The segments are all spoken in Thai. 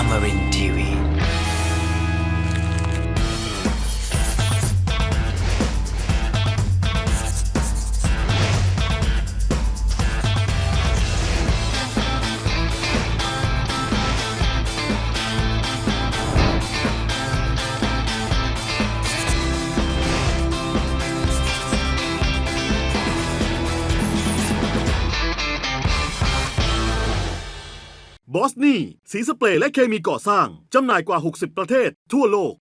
Amarin Tiwi. บอสนี่สีสเปรย์และเคมีก่อสร้างจำหน่ายกว่า 60 ประเทศทั่วโลก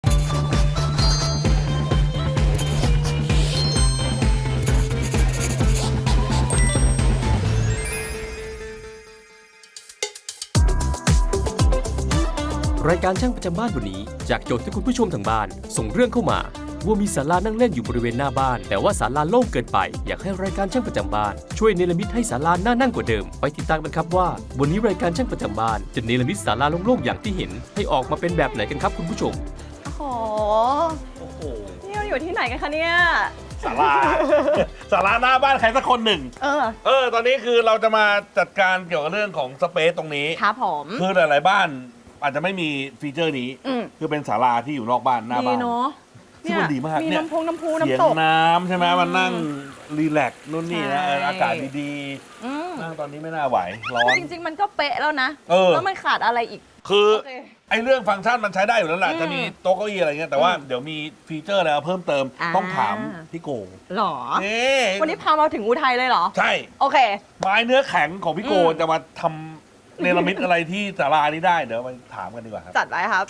รายการช่างประจำบ้านวันนี้จากโจทย์ที่คุณผู้ชมทางบ้านส่งเรื่องเข้ามาว่ามีศาลานั่งเล่นอยู่บริเวณหน้าบ้านแต่ว่าศาลาโล่งเกินไปอยากให้รายการช่างประจำบ้านช่วยเนรมิตให้ศาลาน่านั่งกว่าเดิมไปติดตามกันครับว่าวันนี้รายการช่างประจำบ้านจะเนรมิตศาลาโล่งๆอย่างที่เห็นให้ออกมาเป็นแบบไหนกันครับคุณผู้ชมโอ้โหนี่เราอยู่ที่ไหนกันคะเนี่ยศาลา ศาลาหน้าบ้านใครสักคนหนึ่ง ตอนนี้คือเราจะมาจัดการเกี่ยวกับเรื่องของสเปซตรงนี้ครับผมคือหลายๆบ้านอาจจะไม่มีฟีเจอร์นี้ คือเป็นศาลาที่อยู่นอกบ้านหน้าดีบ้านเนาะซึ่งมันดีมากมีเนี่ยน้ำพุเสียงน้ำตกน้ำใช่ไหมมันนั่งรีแลกซ์นู่นนี่นะใช่อากาศดีอืมๆนั่งตอนนี้ไม่น่าไหวร้อนจริงๆมันก็เป๊ะแล้วนะ แล้วมันขาดอะไรอีกคือโอเคไอ้เรื่องฟังก์ชันมันใช้ได้อยู่แล้วแหละอืมจะมีโต๊ะเก้าอี้อะไรเงี้ยแต่ว่าเดี๋ยวมีฟีเจอร์อะไรเพิ่มเติม ต้องถามพี่โกหรอนี่วันนี้พามาถึงอุทัยเลยเหรอใช่โอเคไม้เนื้อแข็งของพี่โกอืมจะมาทำเนรมิตอะไรที่ศาลานี้ได้เดี๋ยวไปถามกันดีกว่าครับจัดไว้ครับ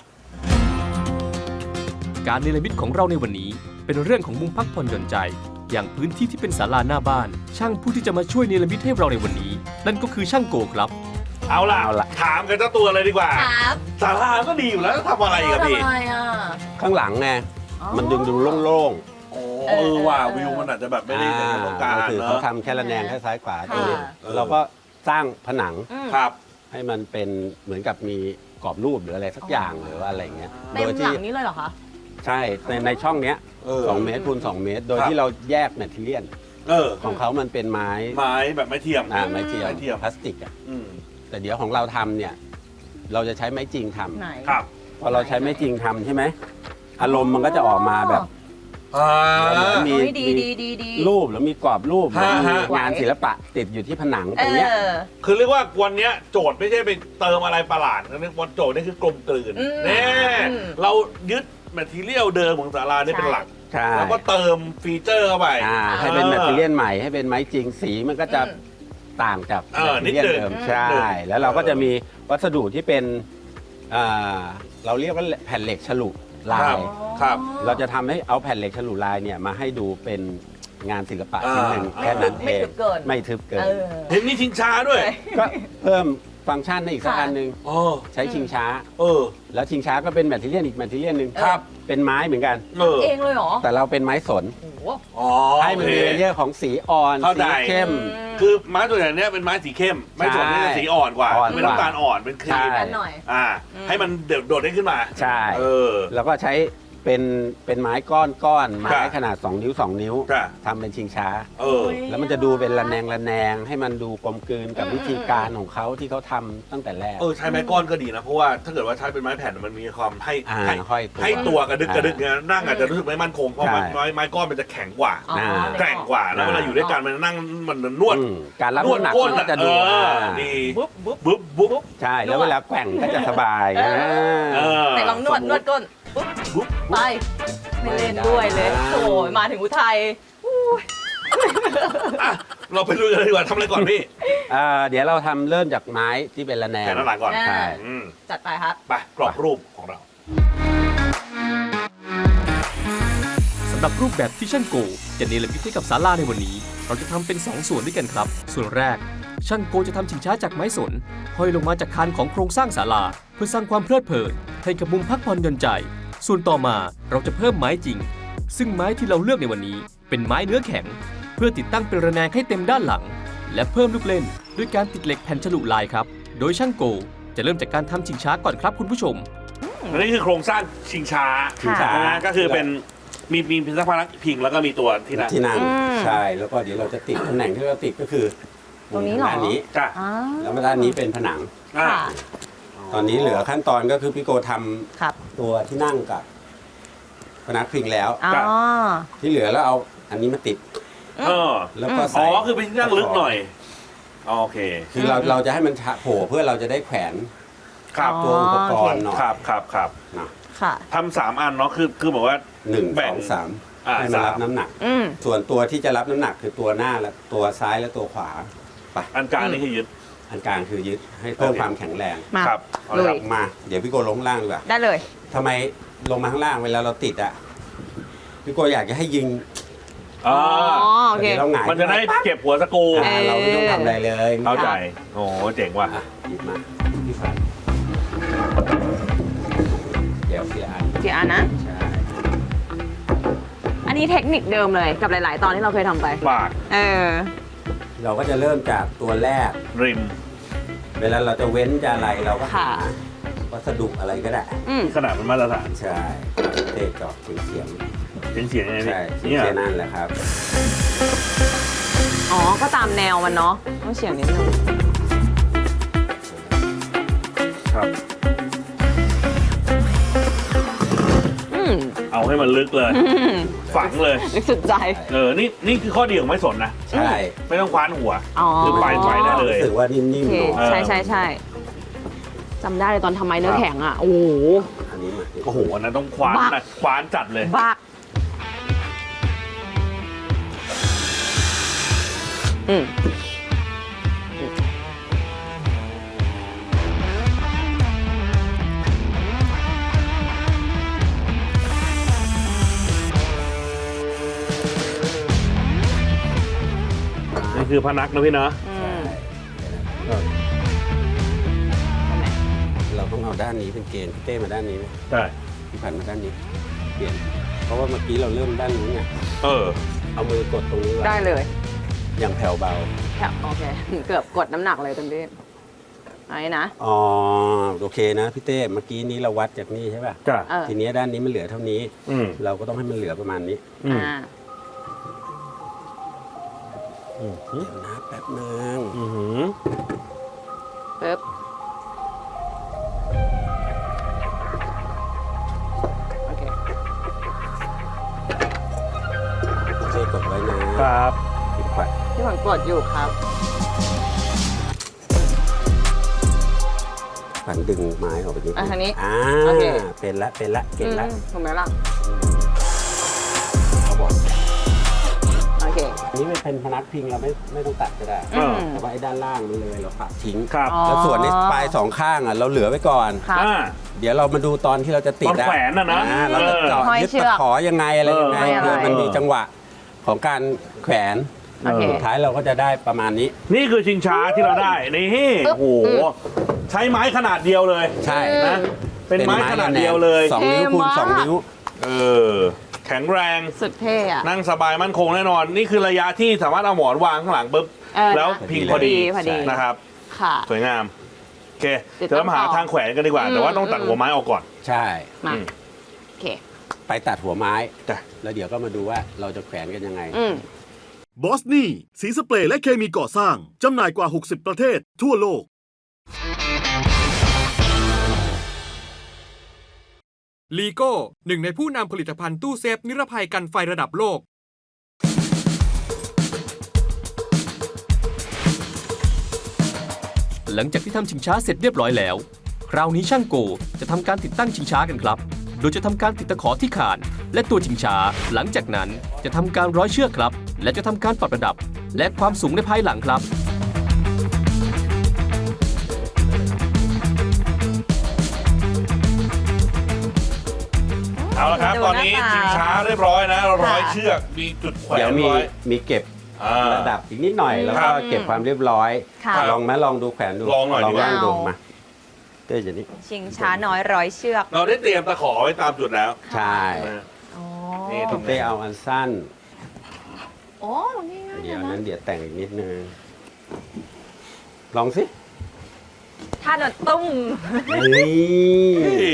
การเนรมิตของเราในวันนี้เป็นเรื่องของมุมพักผ่อนหย่อนใจ อย่างพื้นที่ที่เป็นศาลาหน้าบ้าน ช่างผู้ที่จะมาช่วยเนรมิตให้เราในวันนี้ นั่นก็คือช่างโกครับเอาล่ะถามกันเจ้าตัวเลยดีกว่าครับศาลาก็ดีอยู่แล้วทำอะไรอีกับพี่ทำไมอ่ะข้างหลังไงอ๋อมันดึงดูโล่งโอ้ว่าวิวมันอาจจะแบบๆไม่ได้อย่างที่ต้องการก็คือเนเขาอะทำแค่ระแนงแค่ซ้ายขวาค่ะตัวนี้เออเราก็สร้างผนังครับให้มันเป็นเหมือนกับมีกรอบรูปหรืออะไรสักอย่างหรือว่าอะไรเงี้ยเต็มหลังนี้เลยเหรอคะใช่ในช่องเนี้ยเออ 2 เมตรคูณ 2 เมตร โดยครับที่เราแยกแมทเทียล ของเขามันเป็นไม้ไม้แบบไม้เทียมไม้เทียมไม้เทียมพลาสติกอ่ะอืมแต่เดี๋ยวของเราทำเนี่ยเราจะใช้ไม้จริงทำไหนครับพอเราใช้ไม้จริงทำใช่ไหมอารมณ์มันก็จะออกมาแบบ มีเฮ้ยดีดีรูปแล้วมีกรอบรูปฮะมีงานศิลปะติดอยู่ที่ผนังตเอรงเนี้ยอคือเรียกว่าวันเนี้ยโจทย์ไม่ใช่ไปเติมอะไรประหลาดนะวันโจทย์นี่คือกลมกลืนอืมนี่อืมเรายึดแมททีเรียลเดิมของศาลานี่เป็นหลักใช่แล้วก็เติมฟีเจอร์เข้าไปให้เป็นแมทเทียลใหม่ให้เป็นไม้จริงสีมันก็จะต่างจากเออแมทเทียลนิดนึงเดิมนิดนึงใช่ แล้วเราก็จะมีวัสดุที่เป็นเราเรียกว่าแผ่นเหล็กฉลุลาครัยบ ครับเราจะทำให้เอาแผ่นเหล็กฉลุลายเนี่ยมาให้ดูเป็นงานศิลปะชิ้นหนึ่งอ่าแค่นั้นไม่เองทึบเกินไม่ทึบเกินเออเห็นมีชิงช้าด้วยก็เพิ่มฟังก์ชันให้อีกสักอันหนึ่งอ๋อใช้ชิงช้าเออแล้วชิงช้าก็เป็นแมทเทียลอีกแมทเทียลหนึ่งครับเป็นไม้เหมือนกันเออเองเลยเหรอแต่เราเป็นไม้สนโอ้โหอ๋อให้มันมีเลเยอร์ของสีอ่อนเข้าสีใจเข้มคือไม้ตัวอย่างเนี้ยเป็นไม้สีเข้ม ไม้สนนี่จะสีอ่อนกว่าอ่อนกว่าเป็นน้ำตาลอ่อน เป็นครีใช่มกันหน่อยให้มันโดดได้ขึ้นมาใช่เออแล้วก็ใช้เป็นไม้ก้อนไม้ครับขนาด 2 นิ้ว 2 นิ้วครับทำเป็นชิงช้าเออแล้วมันจะดูเป็นระแนงให้มันดูกลมกลืนกับวิธีการของเขาที่เขาทำตั้งแต่แรกใช้ไม้ก้อนก็ดีนะ เพราะว่าถ้าเกิดว่าใช้เป็นไม้แผ่นมันมีความให้ห้อยตัวให้ตัวกระดึกเนี่ยนั่งอาจจะรู้สึกไม่มั่นคง เพราะใช่ไม้ก้อนมันจะแข็งกว่าอ๋อแกร่งกว่า แล้วเวลาอยู่ด้วยกันมันนั่งมันนวดอืมการรับนวดน้ำหนักก้นมันก็จะดูดีบุ๊บบุ๊บบุ๊บบุ๊บใช่ แล้วเวลาแกว่งก็จะสบายเออ ไหนลองนวดก้นปุ๊บบุ๊บไปไม่เล่นด้วยเลยโอ้ยมาถึงอุทัยอ่ะเราไปลุยกันเลยดีกว่าทำอะไรก่อนพี่เดี๋ยวเราทำเริ่มจากไม้ที่เป็นระแนงแผ่นด้านหลังก่อนใช่อืมจัดไปครับไปกรอบรูปของเราสำหรับรูปแบบที่ช่างโกจะเนรมิตให้กับศาลาในวันนี้ เราจะทำเป็น 2 ส่วนด้วยกันครับ ส่วนแรก ช่างโกจะทำชิงช้าจากไม้สนห้อยลงมาจากคานของโครงสร้างศาลาเพื่อสร้างความเพลิดเพลินให้กับมุมพักผ่อนหย่อนใจ ส่วนต่อมาเราจะเพิ่มไม้จริง ซึ่งไม้ที่เราเลือกในวันนี้เป็นไม้เนื้อแข็ง เพื่อติดตั้งเป็นระแนงให้เต็มด้านหลัง และเพิ่มลูกเล่นด้วยการติดเหล็กแผ่นฉลุลายครับ โดยช่างโกจะเริ่มจากการทำชิงช้าก่อนครับคุณผู้ชมอันนี้คือโครงสร้างชิงช้าชิงช้าก็คือเป็นมีพิพนักพิงแล้วก็มีตัวที่นั่งที่นั่งอืมใช่ แล้วก็เดี๋ยวเราจะติดตำแหน่งที่เราติดก็คือตรงนี้เหรอด้านนี้จ้ะอ่าแล้วด้านนี้เป็นผนังอ่าค่ะอ๋อตอนนี้เหลือขั้นตอนก็คือพี่โกทครับำตัวที่นั่งกับพนักพิงแล้วอ๋อที่เหลือแล้วเอาอันนี้มาติดเออแล้วก็อ๋ใส่อคือเป็นที่นั่งลึกหน่อยโอเคคือเราจะให้มันโผล่เพื่อเราจะได้แขวนครับตัวอุปกรณ์หน่อยครับครับเนาะค่ะทำ3 อันเนาะคือบอกว่าหนึ่งแบ่สงองสามอ่าให้มันรับสามน้ำหนักอืมส่วนตัวที่จะรับน้ำหนักคือตัวหน้าและตัวซ้ายและตัวขวาไปอันกลางนี่คือยึดอันกลางคือยึดให้เพิ่มโอเคความแข็งแรงมาครับเอาลุเลยยครับมาเดี๋ยวพี่โกลงข้างล่างดีกว่าได้เลยทำไมลงมาข้างล่างเวลาเราติดอ่ะพี่โกอยากจะให้ยิงอ๋อโอเคดี๋ยวเราหงายมันจะได้เก็บหัวสกรูเราไม่ต้องทำอะไรเลยเข้าใจโอ้โหเจ๋งว่ะอ่ะหยิบมาพี่ฝันเดี๋ยวทีละอันกี่อันนะใช่อันนี้เทคนิคเดิมเลยกับหลาย ๆ ตอนที่เราเคยทำไปปากเออเราก็จะเริ่มจากตัวแรกริมเวลาเราจะเว้นจะอะไรเราก็หาค่ะวัสดุอะไรก็ได้อืมขนาดเป็นมาตรฐานใช่เตะจอกเฉียงเสียงยังไงๆพี่ใช่เฉีเนี่ยยงๆนั่นแหละครับอ๋อ ก็ตามแนวมันเนาะ ต้องเฉียงนิดนึงครับอืมเอาให้มันลึกเลย ฝังเลยนึกสุดใจนี่คือข้อดีของไม้สนนะใช่ไม่ต้องคว้านหัวอ๋อคือไปได้เลยรู้สึกว่านิ่โอมเคๆหน่อยใช่ใช่ใช่จำได้เลยตอนทำไม้เนื้อแข็งอ่ะ โอ้โหอันนี้มาโอ้โหอันนั้นต้องคว้านบันะกคว้านจัดเลยบักอืมนี่คือพนักนะพี่เนาะอืมเราต้องเอาด้านนี้เป็นเกณฑ์พี่เต้มาด้านนี้ไหมใช่พี่ผันมาด้านนี้ เปลี่ยน เพราะว่าเมื่อกี้เราเริ่มด้านนี้ไงเออเอามือกดตรงนี้ไว้ได้เลยอย่างแผ่วเบาค่ะโอเค เกือบกดน้ำหนักเลยเต็มที่ไอ้นะอ๋อโอเคนะพี่เต้เมื่อกี้นี้เราวัดจากนี่ใช่ป่ะจ้ะเออทีนี้ด้านนี้มันเหลือเท่านี้อืมเราก็ต้องให้มันเหลือประมาณนี้อืมอ่าอืมเดี๋ยวนะแป๊บนึงอืมปึ๊บ โอเคพี่เต้กดไว้นะครับ พี่ขวัญที่ผมกดอยู่ครับขวัญดึงไม้ออกไปนิดอ่ะทางนี้อ่าโอเคเป็นละเก่งละถูกไหมล่ะเขาบอกโอเคอันนี้ไม่เป็นพนักพิงเราไม่ต้องตัดก็ได้อืมแต่ว่าไอ้ด้านล่างมันเลยเราปัดทิ้งครับอ๋อแล้วส่วนในปลายสองข้างอ่ะเราเหลือไว้ก่อนครับอ่าเดี๋ยวเรามาดูตอนที่เราจะติดตอนแขวนน่ะนะเราจะเจาะห้อยยึดเชืตะอกขอยังไงอะไรยังไงห้อยอะไรเพื่อมันมีจังหวะของการแขวนโอเคสุดท้ายเราก็จะได้ประมาณนี้นี่คือชิงช้าที่เราได้ นี่โอ้โห ใช้ไม้ขนาดเดียวเลยใช่นะ เป็นไม้ขนาดเดียวเลย 2 นิ้วคูณเท่มาก 2 นิ้วเออ แข็งแรงสุดเท่อะนั่งสบายมั่นคงแน่นอน นี่คือระยะที่สามารถเอาหมอนวางข้างหลังปุ๊บเออแล้วพิงพอดีพอดีนะครับค่ะสวยงาม โอเคเดี๋ยวเดี๋ยวเรามาหาต้องต่อทางแขวนกันดีกว่า แต่ว่าต้องตัดหัวไม้ออกก่อนใช่มาอืมโอเคไปตัดหัวไม้จ้ะแล้วเดี๋ยวก็มาดูว่าเราจะแขวนกันยังไงอืมบอสนี่สีสเปรย์และเคมีก่อสร้าง จำหน่ายกว่า 60 ประเทศทั่วโลกลีโก้หนึ่งในผู้นำผลิตภัณฑ์ตู้เซฟนิรภัยกันไฟระดับโลกหลังจากที่ทำชิงช้าเสร็จเรียบร้อยแล้ว คราวนี้ช่างโกจะทำการติดตั้งชิงช้ากันครับ โดยจะทำการติดตะขอที่คานและตัวชิงช้า หลังจากนั้นจะทำการร้อยเชือกครับ และจะทำการปรับระดับ และความสูงในภายหลังครับเอาละครับดูตอนนี้หน้าตาชิงช้าเรียบร้อยนะร้อยค่ะเชือก มีจุดแขวนเดี๋ยวมีร้อยมีเก็บอ่าระดับอีกนิดหน่อย แล้วครัก็บเก็บความเรียบร้อยค่ะลองไหมลองดูแขวนดูลองหน่อยดีกว่านั่งดูเอามมาเต้จะนี่ชิงช้าน้อยร้อยเชือกเราได้เตรียมตะขอไว้ตามจุดแล้วใช่นะอ๋อนี่ตรงเต้เอาอันสั้นโอ้ง่ายๆเดี๋ยวนะนั้นเดี๋ยวแต่งอีกนิดนึง ลองสิถ้าโดนตุ้มนี่เฮ้ย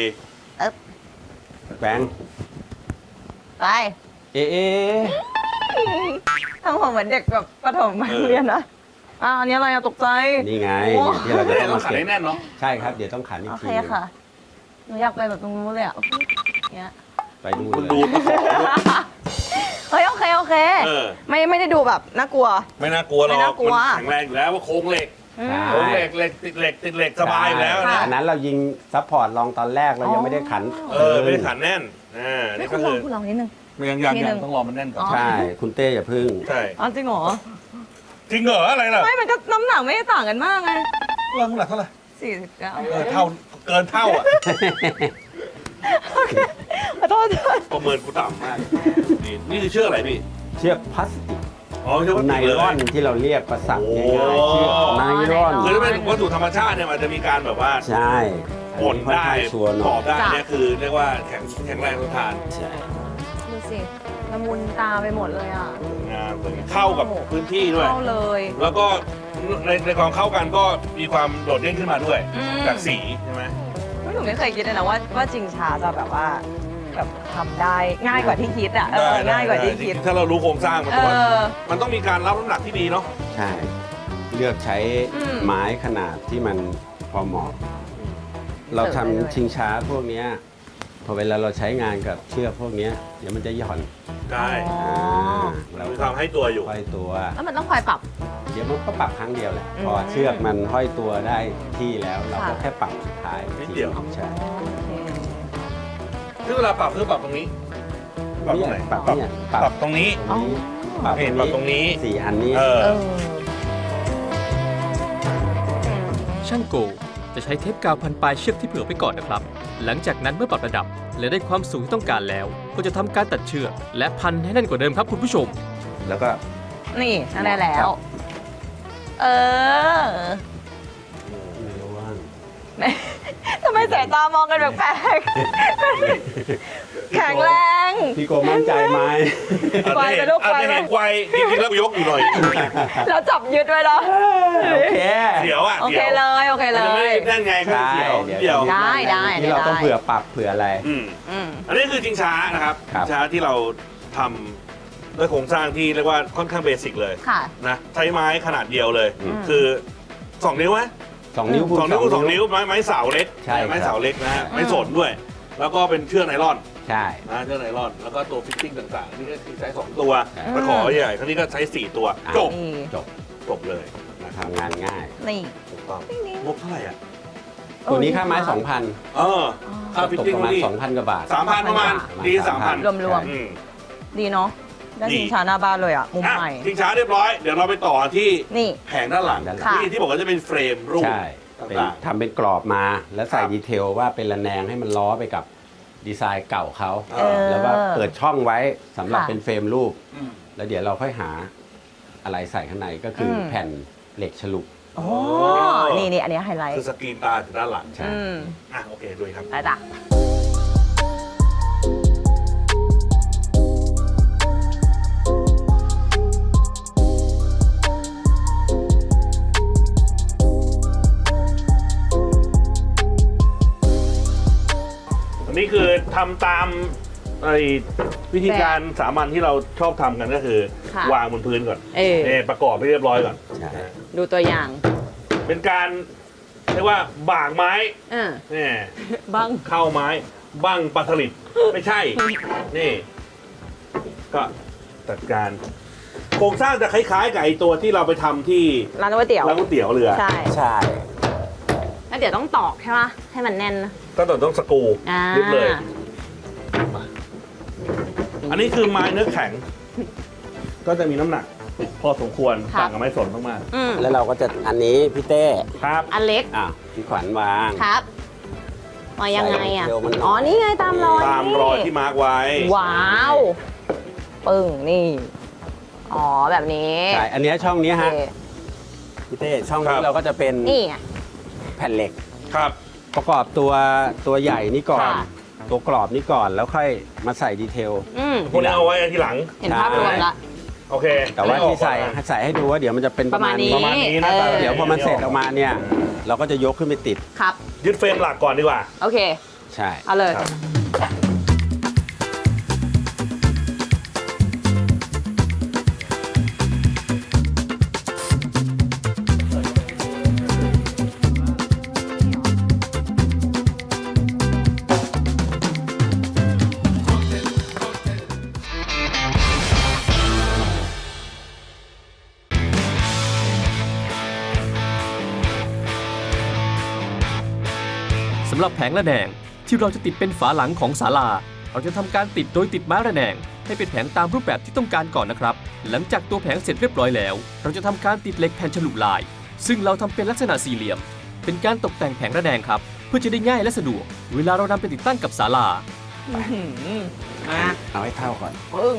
แบงค์ไปเอ๊ะทำผมเหมือนเด็กแบบประถมมาเรียนนะอันนี้อะไรอะตกใจนี่ไงโอ้ที่เราจะต้องต้อมางขันเก็บให้แน่นเนาะใช่ครับเดี๋ยวต้องขันอีกโอทีเคค่ะ หนูอยากไปแบบตรงนู้นเลยอะเนี้ยไปดูคุณเลดูยตะขอด้วยเฮ้ยโอเคโอเคเออไม่ได้ดูแบบน่ากลัวไม่น่ากลัวหรอกไม่น่ากลัวมันแข็งแรงอยู่แล้วว่าโครงเหล็กอืมใช่โครงเหล็กติดเหล็กติดเหล็กสบายอยู่แล้วนะอันนั้นเรายิงซัพพอร์ตลองตอนแรกเรายังไม่ได้ขันไม่ได้ขันแน่นนี่ไม่ก็คุณลคือ องคุณลองนิดนึงยังทีหนึ่งต้องรอมันแน่นก่อนอ๋อใช่คุณเต้อย่าพึ่งใช่อ๋อจริงเหรอจริงเหรออะไรล่ะไม่มันก็น้ำหนักไม่ได้ต่างกันมากไงเรื่องหลักเท่าไหร่ 49 เท่าเกินเท่าอ่ะขอโทษประเมินกูต่ำมากนี่คือเชือกอะไรพี่เชือกพลาสติกอ๋อเชือกพลาสไนติกเลยลอนที่เราเรียกประสักโอ้ง่ายๆเชือกไนลอนคือถ้าเป็นวัตถุธรรมชาติเนี่ยมันจะมีการแบบว่าใช่ป่นได้ค่อข้างชัวร์หตน่ออบ ยได้เนี่ยคือเรียกว่าแข็งแรงทนทานใช่ดูสิละมุนตาไปหมดเลยอ่ะงามเข้ากับพื้นที่ด้วยเข้าเลยแล้วก็ในความเข้ากันก็มีความโดดเด่นขึ้นมาด้วยอืมจากสีใช่ไหมหนูไม่เคยคิดเลยนะว่าจริงชาจะแบบว่าแบบทำได้ง่ายกว่าที่คิดอ่ะง่ายกว่าที่คิดถ้าเรารู้โครงสร้างมันเอว่าอมันต้องมีการรับน้ำหนักที่ดีเนาะใช่ เลือกใช้อืมไม้ขนาดที่มันพอเหมาะ เราทำชิงช้าพวกเนี้ยพอเวลาเราใช้งานกับเชือกพวกเนี้ยเดี๋ยวมันจะหย่อนได้อ๋อเรามีความให้ตัวอยู่ห้อยตัวแล้วมันต้องคอยปรับเดี๋ยวมันก็ปรับครั้งเดียวแหละอืมพอเชือกมันห้อยตัวได้ที่แล้วเราก็ค่ะแค่ปรับสุดท้ายนิดเดียวใช่ซึ่งเวลาปรับคือปรับตรงนี้ ปรับตรงไหนปรับเนี่ยปรับตรงนี้ตรงนี้ปรับตรงนี้สี่อันนี้เออเออช่างโกจะใช้เทปกาวพันปลายเชือกที่เผื่อไว้ก่อนนะครับ หลังจากนั้นเมื่อปรับระดับ และได้ความสูงที่ต้องการแล้ว ก็จะทำการตัดเชือก และพันให้แน่นกว่าเดิมครับคุณผู้ชมแล้วก็นี่นั่นได้แล้ว เออไม่รู้ว่าทำไมสายตามองกันแปลกๆแข็งแรงพี่โกมั่นใจไหมไกวไปลูกไกวอาจจะไปเห็นไกวจริงๆแล้วยกอยู่หน่อยแล้วจับยึดไว้แล้วโอเคเดี๋ยวอ่ะโอเคเลยโอเคเลมันจะไม่ยนั่นไงก็เดี๋ยวเดี๋เดี๋ยยว วได้ได้ที่เราต้องได้เผื่อปรับเผื่ออะไรอืมอืมอันนี้คือชิงช้านะครับครับชิงช้าที่เราทำด้วยโครงสร้างที่เรียกว่าค่อนข้างเบสิกเลยค่ะนะใช้ไม้ขนาดเดียวเลยอืมคือ 2 นิ้วไหม 2 นิ้วคูณ 2 นิ้วคูณ2นิ้วไม้เสาเล็กใช่ครับไม้เสาเล็กนะฮะไม้สนด้วย แล้วก็เป็นเชือกไนลอนใช่นะเชือกไนลอน แล้วก็ตัวฟิตติ้งต่างๆ นี่ก็คือใช้ 2 ตัวใช่ตะขอใหญ่ครั้งนี้ก็ใช้ 4 ตัว จบนี่จบจบเลยนะครับทำงานง่ายนี่ถูกต้องงบเท่าไหร่อ่ะตัวนี้ค่าไม้เออ 2,000 ค่าฟิตตกติ้งประมาณนี่ 2,000 กว่าบาท 3,000 ประมาณ ดี 3,000 รวมอืมๆ ดีเนาะได้ดีชิงช้าหน้าบ้านเลยอ่ะ มุมอ่ะใหม่ชิงช้าเรียบร้อย เดี๋ยวเราไปต่อที่นี่แผงด้านหลังด้านหลังค่ะที่บอกว่าจะเป็นเฟรมรูปใช่เป็นต่างทำเป็นกรอบมาแล้วใส่ครับดีเทลว่าเป็นระแนงให้มันล้อไปกับดีไซน์เก่าเขาเออแล้วว่าเปิดช่องไว้สำหรับค่ะเป็นเฟรมรูปอืมแล้วเดี๋ยวเราค่อยหาอะไรใส่ข้างในก็คืออมแผ่นเหล็กฉลุโอ้นี่อันนี้ไฮไลท์คือสกรีนตาจากด้านหลังใช่อืมอ่ะโอเคดูครับได้จ้ะอันนี้คือทำตามไอ้วิธีการสามัญที่เราชอบทำกันก็คือค่ะวางบนพื้นก่อนเออนี่ประกอบให้เรียบร้อยก่อนใช่ดูตัวอย่างเป็นการเรียกว่าบากไม้อ่านี่บ้างเข้าไม้บั้งปลาสลิดไม่ใช่ นี่ ก็จัดการโครงสร้างจะคล้ายๆกับไอ้ตัวที่เราไปทำที่ร้านก๋วยเตี๋ยวร้านก๋วยเตี๋ยวเรือใช่ใช่แล้วเดี๋ยวต้องตอกใช่ไหมให้มันแน่นนะก็ต้องสกรูอ่ายึดเลยมาอันนี้คือไม้เนื้อแข็ง ก็จะมีน้ำหนักพอสมควรครับต่างกับไม้สนมากอืมแล้วเราก็จะอันนี้พี่เต้ๆครับอันเล็กอ่ะพี่ขวัญวางครับมายังไงอ่ะใส่เร็วมันหน่อยอ๋อ นี่ไงตามรอยตามรอยที่มาร์กไว้ว้าว ปึ้ง นี่ อ๋อ แบบนี้ใช่อันเนี้ยช่องเนี้ยโอฮะเคพี่เต้ช่องครันี้บเราก็จะเป็นนี่ไงแผ่นเหล็กครับประกอบตัวใหญ่นี่ก่อนค่ะตัวกรอบนี่ก่อนแล้วค่อยมาใส่ดีเทลอืมพวกนี้เอาไว้ทีหลังเห็นภาพรวมละโอเคแต่ว่าที่ใส่อันนี้ออกก่อนนะใส่ให้ดูว่าเดี๋ยวมันจะเป็นประมาณนี้ประมาณนี้นะเออเดี๋ยวพอมันเสร็จออกมาเนี่ย เราก็จะยกขึ้นไปติดครับยึดเฟรมหลักก่อนดีกว่าโอเคใช่เอาเลยครับเำหรับแผงระแนงที่เราจะติดเป็นฝาหลังของศาลาเราจะทำการติดโดยติดไม้ระแนงให้เป็นแผงตามรูปแบบที่ต้องการก่อนนะครับหลังจากตัวแผงเสร็จเรียบร้อยแล้วเราจะทำการติดเหล็กแผ่นฉลุลายซึ่งเราทำเป็นลักษณะสี่เหลี่ยมเป็นการตกแต่งแผงระแนงครับเพื่อจะได้ง่ายและสะดวกเวลาเรานำไปติดตั้งกับศาลามาเอาให้เท่าก่อนปึ้ง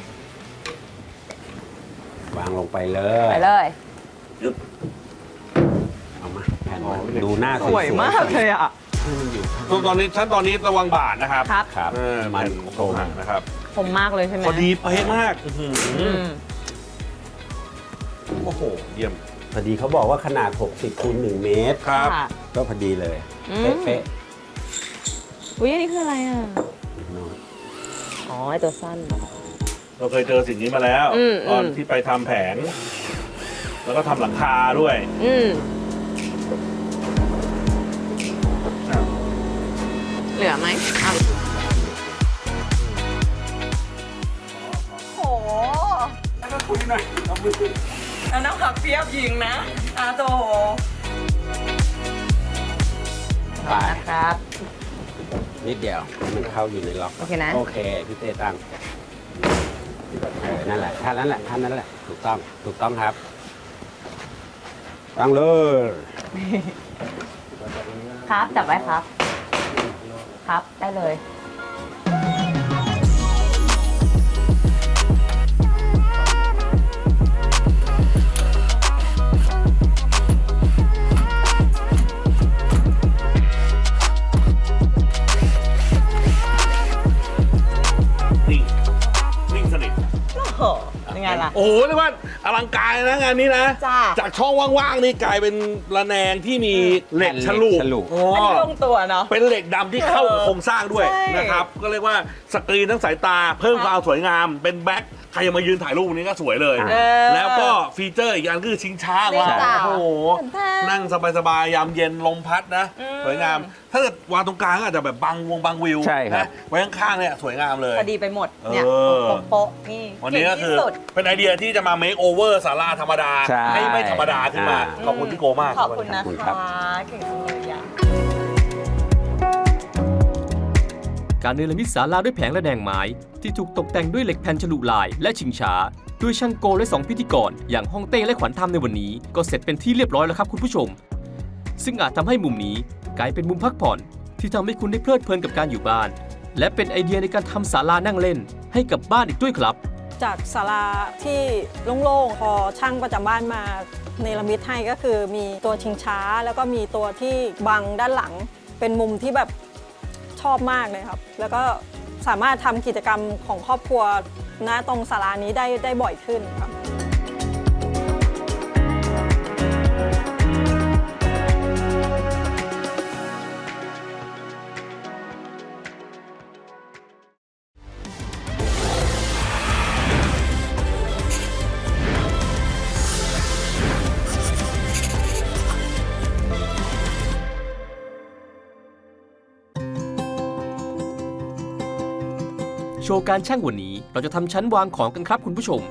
วางลงไปเลยไปเลยเอามาแผ่นมาดูหน้าสวยมากเลยอ่ะตอนนี้ระวังบาดนะครับครับครับมัมัน นโคโครรง งนะครับผมมากเลยใช่ไหมพอดีเป๊ะมากอื้อหืออืมโอ้โหเยี่ยมพอดีเขาบอกว่าขนาด 60 คูณ 1 เมตรครับค่ะก็พอดีเลยอืมเป๊ะอุ้ยอันนี้คืออะไรอ่ะๆเนาะอ๋อไอตัวสั้นเราเคยเจอสิ่งนี้มาแล้วอืมตอนที่ไปทำแผง แล้วก็ทำหลังคาด้วยอืมอ่ะเหลือไหมอ่ะโหแล้วก็คุยหน่อยเอามือแล้วน้ำผักเปียบยิงนะอาโตไปนะครับนิดเดียวให้มันเข้าอยู่ในล็อกโอเคนะโอเคพี่เต้ตั้งนั่นแหละท่านั้นแหละท่านั้นแหละถูกต้องครับตั้งเลยครับจับไว้ครับ ครับได้เลยนิ่งสนิทโอ้โหยังไงล่ะโอ้โหเรียกว่าอลังการนะงานนี้นะจ้าจากช่องว่างๆนี่กลายเป็นระแนงที่มีเหล็กฉลุโอ้อันนี้ลงตัวเนาะเป็นเหล็กดำที่เข้ากับโครงสร้างด้วยใช่นะครับ ก็เรียกว่าสกรีนทั้งสายตาเพิ่มความสวยงาม เป็นแบ็คใครจะมายืนถ่ายรูปนี้ก็สวยเลยเออแล้วก็ฟีเจอร์อีกอันคือชิงช้านี่ว้าจ้ะวโอ้โหแทนนั่งสบายๆยามเย็นลมพัดนะอืมสวยงาม ถ้าเกิดวางตรงกลางก็อาจจะแบบบังวิวใช่ครับนะไว้ข้างๆเนี่ยสวยงามเลยพอดีไปหมดเนี่ยเออโป๊ะๆนี่วันนี้ก็เงคือที่สุดเป็นไอเดียที่จะมาเมคโอเวอร์ศาลาธรรมดาใช่ให้ไม่ธรรมดาขึ้นมา ขอบคุณพี่โกมากขอบคุณนะขอบคุณคครัะบเก่งจังเลยอ่ะการเนรมิตศาลาด้วยแผงระแนงไม้ที่ถูกตกแต่งด้วยเหล็กแผ่นฉลุลายและชิงช้าด้วยช่างโกและ2พิธีกรอย่างฮ่องเต้และขวัญธรรมในวันนี้ก็เสร็จเป็นที่เรียบร้อยแล้วครับคุณผู้ชม ซึ่งอาจทำให้มุมนี้กลายเป็นมุมพักผ่อนที่ทำให้คุณได้เพลิดเพลินกับการอยู่บ้าน และเป็นไอเดียในการทำศาลานั่งเล่นให้กับบ้านอีกด้วยครับจากศาลาที่โล่งๆพอช่างประจำบ้านมาเนรมิตให้ก็คือมีตัวชิงช้า แล้วก็มีตัวที่บังด้านหลัง เป็นมุมที่แบบชอบมากเลยครับ แล้วก็สามารถทำกิจกรรมของครอบครัวณตรงศาลานี้ได้บ่อยขึ้นครับโชว์การช่างวันนี้เราจะทำชั้นวางของกันครับคุณผู้ชม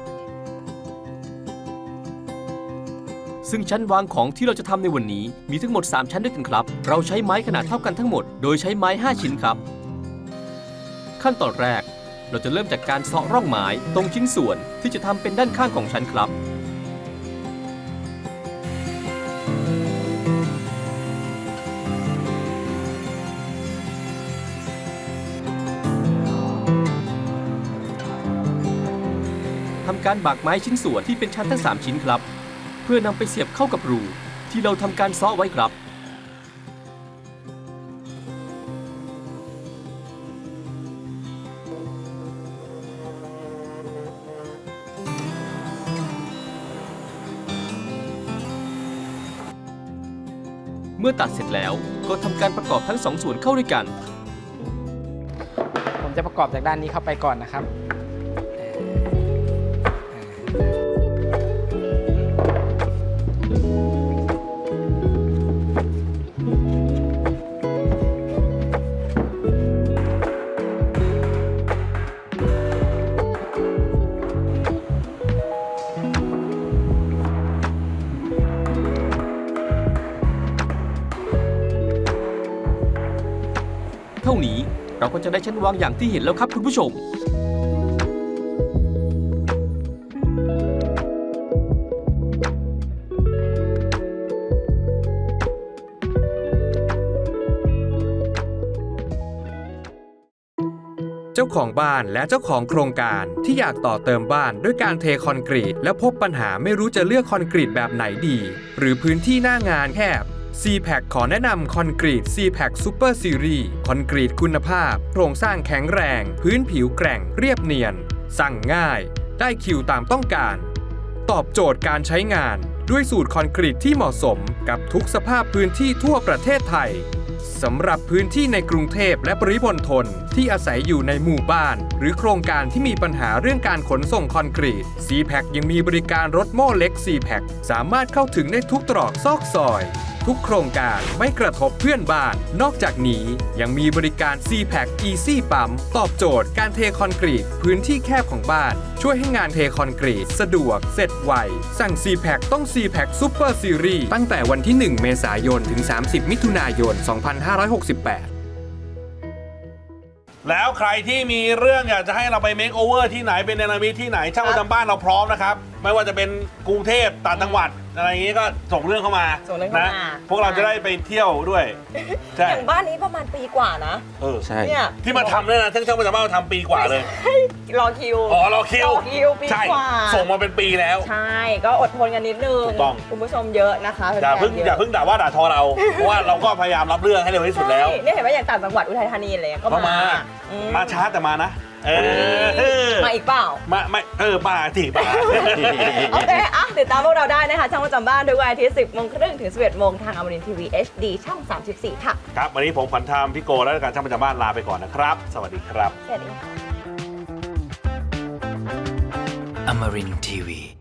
ซึ่งชั้นวางของที่เราจะทำในวันนี้มีทั้งหมด3ชั้นด้วยกันครับเราใช้ไม้ขนาดเท่ากันทั้งหมดโดยใช้ไม้5ชิ้นครับขั้นตอนแรกเราจะเริ่มจากการเซาะร่องไม้ตรงชิ้นส่วนที่จะทำเป็นด้านข้างของชั้นครับทำการบากไม้ชิ้นส่วนที่เป็นชั้นทั้ง3ชิ้นครับเพื่อนำไปเสียบเข้ากับรูที่เราทำการเซาะไว้ครับ เมื่อตัดเสร็จแล้วก็ทำการประกอบทั้งสองส่วนเข้าด้วยกันผมจะประกอบจากด้านนี้เข้าไปก่อนนะครับเท่านี้เราก็จะได้ชั้นวางอย่างที่เห็นแล้วครับคุณผู้ชมเจ้าของบ้านและเจ้าของโครงการที่อยากต่อเติมบ้านด้วยการเทคอนกรีตและพบปัญหาไม่รู้จะเลือกคอนกรีตแบบไหนดี หรือพื้นที่หน้างานแคบ C-Pack ขอแนะนำคอนกรีต C-Pack Super Series คอนกรีตคุณภาพโครงสร้างแข็งแรง พื้นผิวแกร่งเรียบเนียน สั่งง่าย ได้คิวตามต้องการ ตอบโจทย์การใช้งานด้วยสูตรคอนกรีตที่เหมาะสมกับทุกสภาพพื้นที่ทั่วประเทศไทยสำหรับพื้นที่ในกรุงเทพและปริมณฑลที่อาศัยอยู่ในหมู่บ้านหรือโครงการที่มีปัญหาเรื่องการขนส่งคอนกรีต C-Pack ยังมีบริการรถโม่เล็ก C-Pack สามารถเข้าถึงได้ทุกตรอกซอกซอย ทุกโครงการไม่กระทบเพื่อนบ้าน นอกจากนี้ยังมีบริการ C-Pack Easy ปั๊มตอบโจทย์การเทคอนกรีตพื้นที่แคบของบ้านช่วยให้งานเทคอนกรีตสะดวกเสร็จไวสั่ง C-Pack ต้อง C-Pack Super Series ตั้งแต่วันที่ 1 เมษายนถึง 30 มิถุนายน 2568 แล้วใครที่มีเรื่องอยากจะให้เราไปเมคโอเวอร์ที่ไหนเป็นเนรมิตที่ไหนช่างประจำบ้านเราพร้อมนะครับ ไม่ว่าจะเป็นกรุงเทพต่างจังหวัดอะไรอย่างนี้ก็ส่งเรื่องเข้ามาส่งเรื่องเข้ามาพวกเราจะได้ไปเที่ยวด้วยใช่อย่างบ้านนี้ประมาณปีกว่านะใช่เนี่ยที่มาทำเนี่ยนะช่างประจำบ้านมาทำปีกว่าเลยรอคิวอ๋อรอคิวรอคิวปีใช่กว่าส่งมาเป็นปีแล้วใช่ ก็อดทนกันนิดนึงถูกต้องคุณผู้ชมเยอะนะคะอย่าเพิ่งแฟนๆอย่าเพิ่งด่าว่าด่าทอเรา เพราะว่าเราก็พยายามรับเรื่องให้เร็วที่สุดแล้วใช่เนี่ยเห็นไหมอย่างต่างจังหวัดอุทัยธานีอะไรก็ก็มาอืมาช้าแต่มานะมาอีกเปล่ามาไม่มาสิมาโอเคอ่ะติดตามพวกเราได้นะคะ ช่างประจำบ้านทุกวันอาทิตย์ 10 โมงครึ่งถึง 11 โมงทางอมรินทร์ทีวี HD ช่อง 34 ค่ะครับวันนี้ผมขวัญธรรมพี่โกและการช่างประจำบ้านลาไปก่อนนะครับ สวัสดีครับสวัสดีค่ะ Amarin Tiwi.